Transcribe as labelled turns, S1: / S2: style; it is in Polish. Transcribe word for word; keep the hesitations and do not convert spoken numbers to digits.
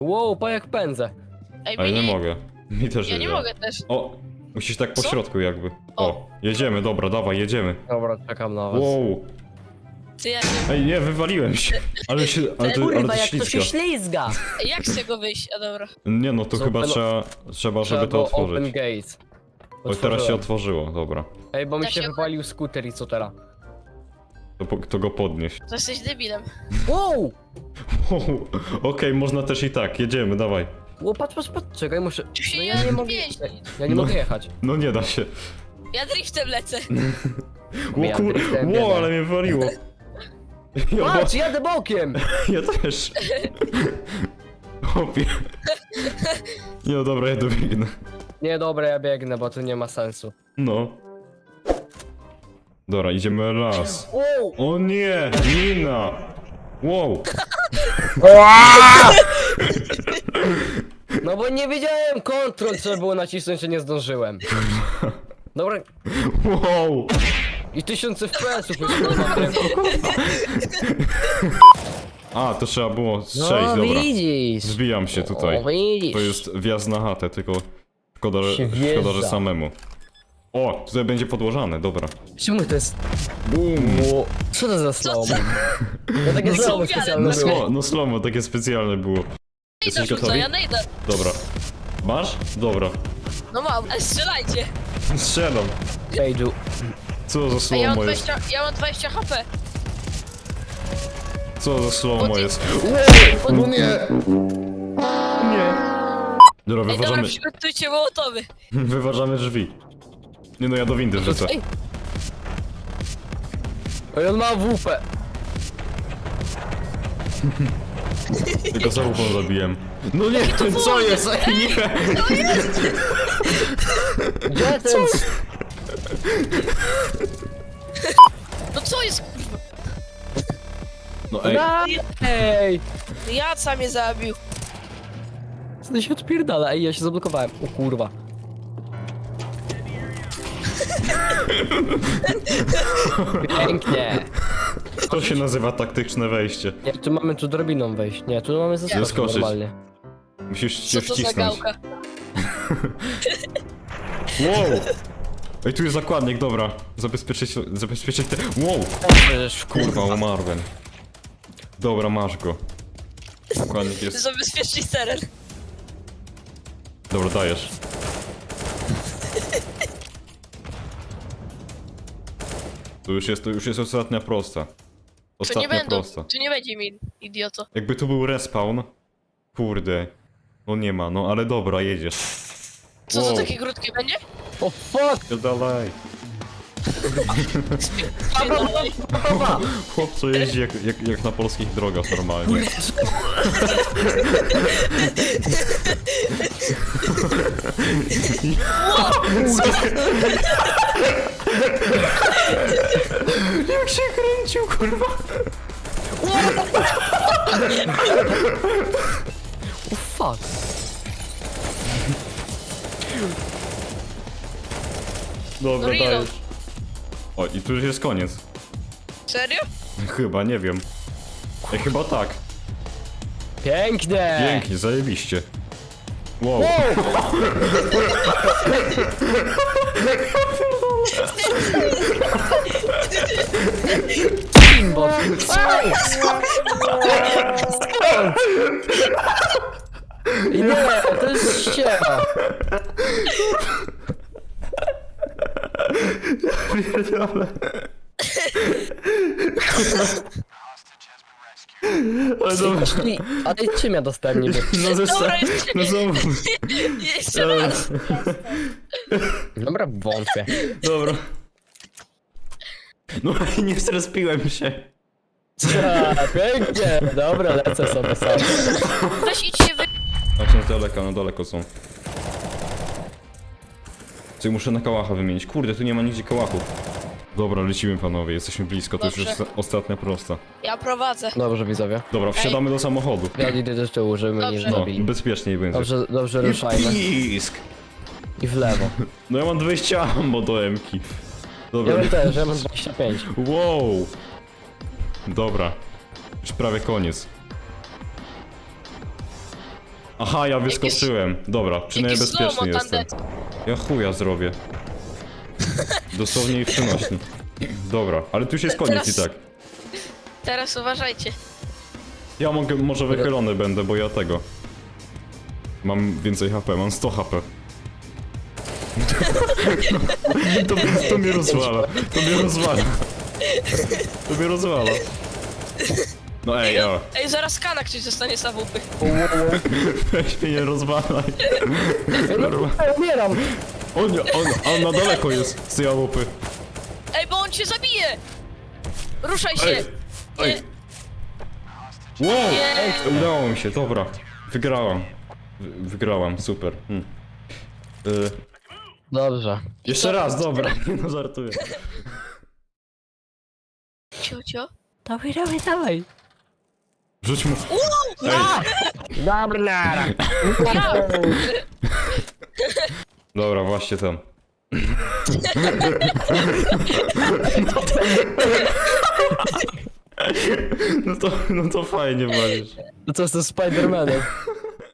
S1: Wow, pa jak pędzę.
S2: Ej,
S3: A ja nie
S2: mi-
S3: mogę. Mi też
S2: Ja nie
S3: działa.
S2: mogę też.
S3: O, musisz tak po
S2: Co?
S3: środku jakby. O,
S2: O.
S3: jedziemy, dobra, dawaj, jedziemy.
S1: Dobra, czekam na was.
S3: Wow.
S2: Ty jak,
S3: Ej, nie, wywaliłem się. Ale się, ale to, ale
S1: Kurwa,
S3: to
S1: jak to się
S3: ślizga.
S1: ślizga.
S2: jak z tego wyjść? A dobra.
S3: Nie no, to
S1: Co,
S3: chyba
S1: open-
S3: trzeba, trzeba, żeby
S1: Trzeba
S3: to
S1: było Open
S3: otworzyć.
S1: gate.
S3: O, teraz się
S1: Otworzyłem.
S3: otworzyło, dobra.
S1: Ej, bo mi
S2: Da
S1: się
S2: się-
S1: wypalił skuter i co teraz?
S3: To, po- to go podnieś.
S2: To jesteś debilem.
S1: Wow!
S3: Wow. Okej, można też i tak, jedziemy, dawaj.
S1: Wow, patrz, patrz, patrz, czekaj, muszę...
S2: Tu się
S1: No
S2: nie
S1: ja nie mogę...
S2: jeździ.
S1: Ja nie
S3: No.
S1: mogę jechać.
S3: No nie da się.
S2: Ja driftem lecę.
S3: Ło
S1: Ja
S3: kur...
S1: driftem
S3: Ło,
S1: biedę.
S3: ale mnie waliło. Ja,
S1: Patrz, jadę bokiem!
S3: ja też. Chłopie. Nie no dobra, ja dobiegnę.
S1: Nie, dobra, ja biegnę, bo tu nie ma sensu.
S3: No. Dobra, idziemy raz.
S1: Wow!
S3: O nie, mina. Wow.
S1: No bo nie wiedziałem, kontrol trzeba było nacisnąć, że nie zdążyłem. Dobra,
S3: Wow.
S1: i tysiąc F P S-ów już kurwa.
S3: A, to trzeba było strzelić,
S1: No
S3: dobra.
S1: widzisz.
S3: Zbijam się tutaj.
S1: O, widzisz.
S3: To jest wjazd na chatę, tylko szkoda, że,
S1: Się
S3: szkoda, że
S1: wjeżdża.
S3: samemu. O, tutaj będzie podłożane, dobra.
S1: Czemu to jest...
S3: Boom.
S1: Ło- Co to za slow? Ja takie
S2: No
S1: slow
S2: co,
S1: specjalne
S3: No,
S2: Okej.
S3: slo, no slomo, takie specjalne było.
S2: Nejda
S3: Jesteś
S2: rzuca,
S3: gotowi?
S2: ja nejdę.
S3: Dobra. Masz? Dobra.
S2: No mam, ale strzelajcie.
S3: Strzelam.
S1: Page'u.
S3: Co za
S2: Ej, ja mam
S3: slomo jest?
S2: dwadzieścia, ja mam dwadzieścia H P.
S3: Co za slomo
S2: Pod-
S3: jest?
S2: Pod...
S3: No nie! Nie. Dobra,
S2: Ej, dobra,
S3: wyważamy,
S2: przygotujcie mołotowy.
S3: wyważamy drzwi. Nie no, ja do windy wrzucę.
S1: Ej! Ej, on ma W P.
S3: Tylko za łupą zabiłem. No nie, co jest? Ej, nie!
S1: Gdzie ten...
S2: No co jest, kurwa?
S3: No ej,
S1: Ej!
S2: Jaca mnie zabił.
S1: Co to się odpierdala? Ej, ja się zablokowałem. O kurwa. Pięknie.
S3: to się nazywa taktyczne wejście.
S1: Nie, tu mamy tu drobiną wejść. Nie, tu mamy zaskoczyć
S3: Zaskoczyć.
S1: normalnie.
S3: Musisz
S2: Co
S3: się
S2: to za
S3: wcisnąć.
S2: gałka?
S3: Wow! Ej, tu jest zakładnik, dobra. Zabezpieczyć, zabezpieczyć te... Wow!
S1: Przecież
S3: Kurwa, umarłem. Dobra, masz go. Zakładnik jest...
S2: Zabezpieczny teren.
S3: Dobra, dajesz. To już jest, to już jest ostatnia prosta.
S2: Tu nie
S3: Ostatnia
S2: będą,
S3: prosta.
S2: tu nie będzie mi, idioto.
S3: Jakby tu był respawn... Kurde. No nie ma, no ale dobra, jedziesz.
S2: Co
S3: Wow.
S2: to takie krótkie będzie?
S1: o fuck!
S3: Dalej.
S2: Spierdalaj.
S3: Chłop co jeździ jak, jak, jak na polskich drogach normalnie. Jak się kręcił, kurwa.
S1: O fuck!
S3: Dobra,
S2: No reload.
S3: dajesz. O, i tu już jest koniec.
S2: Serio?
S3: Chyba, nie wiem. Ej, chyba tak.
S1: Pięknie!
S3: Pięknie, zajebiście. Wow.
S1: Kimbot! Ej! Nie, to jest ściema!
S3: Pierdolę. Ale dobra.
S1: Czyli, ale czym ja dostałem niby?
S3: No ze
S2: Dobra, jeszcze
S3: No
S2: nie.
S3: znowu.
S2: Jeszcze raz.
S1: Dobra, wątpię.
S3: Dobra. No i nie zrespiłem się.
S1: A, pięknie! Dobra, lecę sobie sam.
S2: Weź idź się wy...
S3: A są z daleka, no daleko są. Czyli muszę na kałacha wymienić. Kurde, tu nie ma nigdzie kałachów. Dobra, lecimy panowie, jesteśmy blisko, to już
S2: Dobrze.
S3: jest ostatnia prosta.
S2: Ja prowadzę.
S1: Dobrze, widzowie.
S3: Dobra, wsiadamy do samochodu.
S1: Ja idę do tyłu, żeby mnie nie
S2: Dobrze.
S3: No,
S1: zabili.
S3: bezpieczniej będzie.
S1: Dobrze, dobrze ruszajmy.
S3: Pisk!
S1: I w lewo.
S3: No ja mam dwadzieścia ammo do emki.
S1: Ja
S3: Dobra.
S1: mam też, ja mam dwadzieścia pięć.
S3: Wow! Dobra. Już prawie koniec. Aha, ja wyskoczyłem. Dobra, przynajmniej
S2: Jakie
S3: bezpieczny
S2: slow-mo
S3: jestem.
S2: tandem.
S3: Ja chuja zrobię. Dosłownie i w przenośni. Dobra, ale tu już jest koniec i
S2: Teraz-
S3: tak.
S2: Teraz uważajcie.
S3: Ja mogę, może wychylony będę, bo ja tego. Mam więcej H P, mam sto H P. To, to mnie rozwala, to mnie rozwala. To mnie rozwala. No ej, o.
S2: Ej, zaraz kana ktoś zostanie z A W P.
S3: Weź mnie nie rozwalaj.
S1: Ja umieram.
S3: On, on, on na daleko jest z tej łupy.
S2: Ej, bo on cię zabije! Ruszaj się!
S3: Ej, ej. Wow!
S2: Nie.
S3: Udało mi się, dobra. Wygrałam. Wy- Wygrałam, super. Hmm. Y,
S1: Dobrze.
S3: jeszcze raz, dobra. No żartuję.
S2: Ciocio?
S1: Dawaj, dawaj, dawaj.
S3: Rzuć mu... Ej,
S1: Dobra, nara.
S3: dobra, właśnie tam. No to, no to fajnie walisz.
S1: To co z tym Spidermanem?